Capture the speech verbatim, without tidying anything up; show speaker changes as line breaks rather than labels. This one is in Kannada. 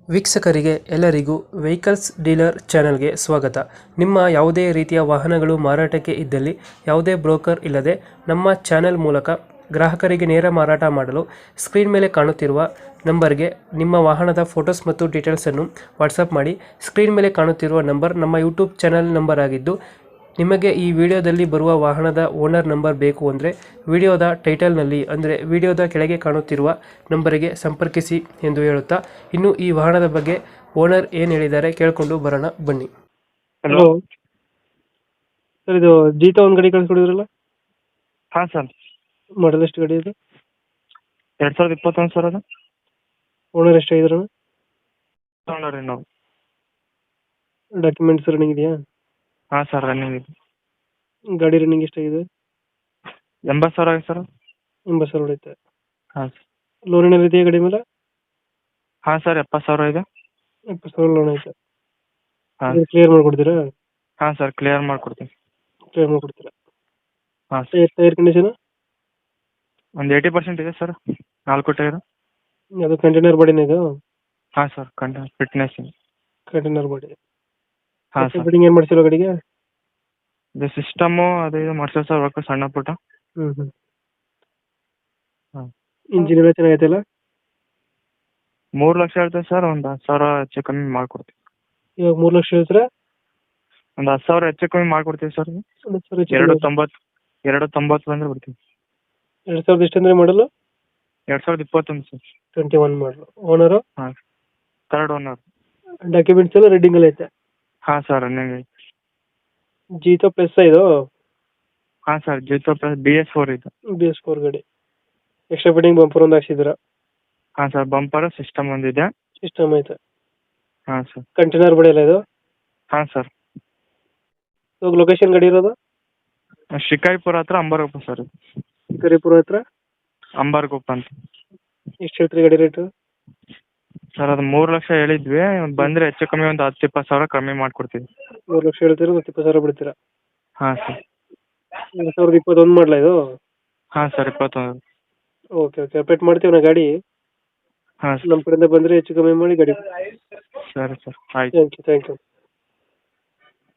ವೀಕ್ಷಕರಿಗೆ ಎಲ್ಲರಿಗೂ ವೆಹಿಕಲ್ಸ್ ಡೀಲರ್ ಚಾನೆಲ್ಗೆ ಸ್ವಾಗತ. ನಿಮ್ಮ ಯಾವುದೇ ರೀತಿಯ ವಾಹನಗಳು ಮಾರಾಟಕ್ಕೆ ಇದ್ದಲ್ಲಿ ಯಾವುದೇ ಬ್ರೋಕರ್ ಇಲ್ಲದೆ ನಮ್ಮ ಚಾನೆಲ್ ಮೂಲಕ ಗ್ರಾಹಕರಿಗೆ ನೇರ ಮಾರಾಟ ಮಾಡಲು ಸ್ಕ್ರೀನ್ ಮೇಲೆ ಕಾಣುತ್ತಿರುವ ನಂಬರ್ಗೆ ನಿಮ್ಮ ವಾಹನದ ಫೋಟೋಸ್ ಮತ್ತು ಡೀಟೇಲ್ಸನ್ನು ವಾಟ್ಸಪ್ ಮಾಡಿ. ಸ್ಕ್ರೀನ್ ಮೇಲೆ ಕಾಣುತ್ತಿರುವ ನಂಬರ್ ನಮ್ಮ ಯೂಟ್ಯೂಬ್ ಚಾನೆಲ್ ನಂಬರ್ ಆಗಿದ್ದು, ನಿಮಗೆ ಈ ವಿಡಿಯೋದಲ್ಲಿ ಬರುವ ವಾಹನದ ಓನರ್ ನಂಬರ್ ಬೇಕು ಅಂದರೆ ವಿಡಿಯೋದ ಟೈಟಲ್ನಲ್ಲಿ ಅಂದರೆ ವಿಡಿಯೋದ ಕೆಳಗೆ ಕಾಣುತ್ತಿರುವ ನಂಬರಿಗೆ ಸಂಪರ್ಕಿಸಿ ಎಂದು ಹೇಳುತ್ತಾ, ಇನ್ನು ಈ ವಾಹನದ ಬಗ್ಗೆ ಓನರ್ ಏನು ಹೇಳಿದ್ದಾರೆ ಕೇಳಿಕೊಂಡು ಬರೋಣ ಬನ್ನಿ.
ಹಲೋ.
ಸರ್, ಇದು ಜೀತ ಒಂದು ಗಾಡಿ ಕಳಿಸ್ಕೊಡಿದ್ರಲ್ಲ,
ಹಾಂ ಸರ್.
ಮಾಡಲ್ ಎಷ್ಟು ಗಾಡಿ ಇದು?
ಎರಡು ಸಾವಿರದ ಇಪ್ಪತ್ತೊಂದು ಸರ್. ಅದು
ಓನರ್ ಎಷ್ಟಾಗಿದ್ರು?
ತೊಗೊಂಡ್ರಿ ನಾವು.
ಡಾಕ್ಯುಮೆಂಟ್ಸ್ ರನ್ನಿಂಗ್ ಇದೆಯಾ?
ಹಾಂ ಸರ್, ರನ್ನಿಂಗ್ ಇದೆ.
ಗಾಡಿ ರನ್ನಿಂಗ್ ಎಷ್ಟಾಗಿದೆ?
ಎಂಬತ್ತು ಸಾವಿರ ಆಗಿದೆ ಸರ್.
ಎಂಬತ್ತು ಸಾವಿರ ಹೊಡೆಯುತ್ತೆ.
ಹಾಂ ಸರ್.
ಲೋನ್ ಏನಾದ್ರು ಇದೆಯಾ ಗಾಡಿ ಮೇಲೆ?
ಹಾಂ ಸರ್, ಎಪ್ಪತ್ತು ಸಾವಿರ ಇದೆ.
ಎಪ್ಪತ್ತು ಸಾವಿರ ಲೋನ್ ಐತೆ.
ಹಾಂ
ಕ್ಲಿಯರ್ ಮಾಡ್ಕೊಡ್ತೀರಾ?
ಹಾಂ ಸರ್, ಕ್ಲಿಯರ್ ಮಾಡಿಕೊಡ್ತೀನಿ.
ಕ್ಲಿಯರ್ ಮಾಡ್ಕೊಡ್ತೀರಾ?
ಹಾಂ ಸರ್.
ಟೈರ್ ಕಂಡೀಷನ್
ಒಂದು ಏಯ್ಟಿ ಪರ್ಸೆಂಟ್ ಇದೆ ಸರ್, ನಾಲ್ಕು ಟೈರು.
ಅದು ಕಂಟೈನರ್ ಬಾಡಿನ ಇದು?
ಹಾಂ ಸರ್, ಕಂಡ ಫಿಟ್ನೆಸ್ ಇದೆ.
Container body.
ಹಾಂ ಸರ್.
ಫಿಟ್ಟಿಂಗ್ ಏನು ಮಾಡ್ಸಿರೋ ಗಾಡಿಗೆ?
ಇದು ಸಿಸ್ಟಮು ಅದು ಇದು ಮಾಡ್ಸೋ ಸರ್, ವರ್ಕ್ ಸಣ್ಣ ಪುಟ್ಟ.
ಹ್ಞೂ ಹ್ಞೂ
ಹಾಂ.
ಇಂಜಿನ್ ಎಲ್ಲ ಚೆನ್ನಾಗೈತಲ್ಲ?
ಮೂರು ಲಕ್ಷ ಹೇಳ್ತೇವೆ ಸರ್, ಒಂದು ಹತ್ತು ಸಾವಿರ ಹೆಚ್ಚು ಕಮ್ಮಿ ಮಾಡಿಕೊಡ್ತೀವಿ.
ಇವಾಗ ಮೂರು ಲಕ್ಷ ಹೇಳ್ತೀರಾ?
ಒಂದು ಹತ್ತು ಸಾವಿರ ಹೆಚ್ಚು ಕಮ್ಮಿ ಮಾಡಿಕೊಡ್ತೀವಿ ಸರ್.
ಒಂದು ಸಾವಿರ ಹೆಚ್ಚು
ಎರಡು
ಕಮ್ಮಿ.
ತೊಂಬತ್ತು ಎರಡು ತೊಂಬತ್ತು ಬಂದರೆ ಬಿಡ್ತೀವಿ.
ಎರಡು ಸಾವಿರದ ಎಷ್ಟು ಅಂದರೆ ಮಾಡಲು?
ಎರಡು ಸಾವಿರದ ಇಪ್ಪತ್ತೊಂದು ಸರ್.
ಟ್ವೆಂಟಿ ಒನ್ ಮಾಡಲು. ಓನರು?
ಹಾಂ, ಥರ್ಡ್ ಓನರ್.
ಡಾಕ್ಯುಮೆಂಟ್ಸ್ ಎಲ್ಲ ರೆಡ್ಡಿಂಗಲ್ಲಿ ಐತೆ?
ಹಾಂ ಸರ್, ರನ್ನಿಂಗ್ ಐತೆ.
ಜೀತೋ ಪ್ಲಸ್ ಇದು?
ಹಾಂ sir, Jeeto plus B S four ಇದು.
ಬಿ ಎಸ್ ಫೋರ್ ಗಾಡಿ. ಎಕ್ಸ್ಟ್ರಾ ಫಿಟ್ಟಿಂಗ್ ಬಂಪರ್ ಒಂದು ಹಾಕ್ಸಿದ್ದೀರಾ?
ಹಾಂ ಸರ್, ಬಂಪರ್ ಸಿಸ್ಟಮ್ ಒಂದಿದೆ.
ಸಿಸ್ಟಮ್ ಐತೆ.
ಹಾಂ ಸರ್.
ಕಂಟೈನರ್ ಬಾಡಿ ಎಲ್ಲ ಇದು?
ಹಾಂ ಸರ್.
ಇವಾಗ ಲೊಕೇಶನ್ ಗಾಡಿ ಇರೋದು?
ಶಿಕಾರಿಪುರ ಹತ್ರ ಅಂಬಾರಗೊಪ್ಪ ಸರ್. ಇದು
ಶಿಕಾರಿಪುರ ಹತ್ರ
ಅಂಬಾರಗೊಪ್ಪ ಅಂತ.
ಎಷ್ಟು ಹೇಳ್ತೀರಿ ಗಾಡಿ ರೇಟು?
ಸರ್, ಅದು ಮೂರು ಲಕ್ಷ ಹೇಳಿದ್ವಿ, ಬಂದರೆ ಹೆಚ್ಚು ಕಮ್ಮಿ ಒಂದು ಹತ್ತು ಇಪ್ಪತ್ತು ಸಾವಿರ ಕಮ್ಮಿ ಮಾಡಿಕೊಡ್ತೀವಿ.
ಮೂರು ಲಕ್ಷ ಹೇಳ್ತೀರಾ, ಒಂದು ಇಪ್ಪತ್ತು ಸಾವಿರ ಬಿಡ್ತೀರಾ?
ಹಾಂ ಸರ್.
ಎರಡು ಸಾವಿರದ ಇಪ್ಪತ್ತೊಂದು ಮಾಡಲ ಇದು?
ಹಾಂ ಸರ್, ಇಪ್ಪತ್ತೊಂದು.
ಓಕೆ ಓಕೆ, ಅಪ್ಡೇಟ್ ಮಾಡ್ತೀವಿ ನಾ ಗಾಡಿ.
ಹಾಂ ಸರ್.
ನಮ್ಮ ಕಡೆಯಿಂದ ಬಂದರೆ ಹೆಚ್ಚು ಕಮ್ಮಿ ಮಾಡಿ ಗಾಡಿ.
ಸರಿ ಸರ್, ಆಯ್ತು.
Thank you thank you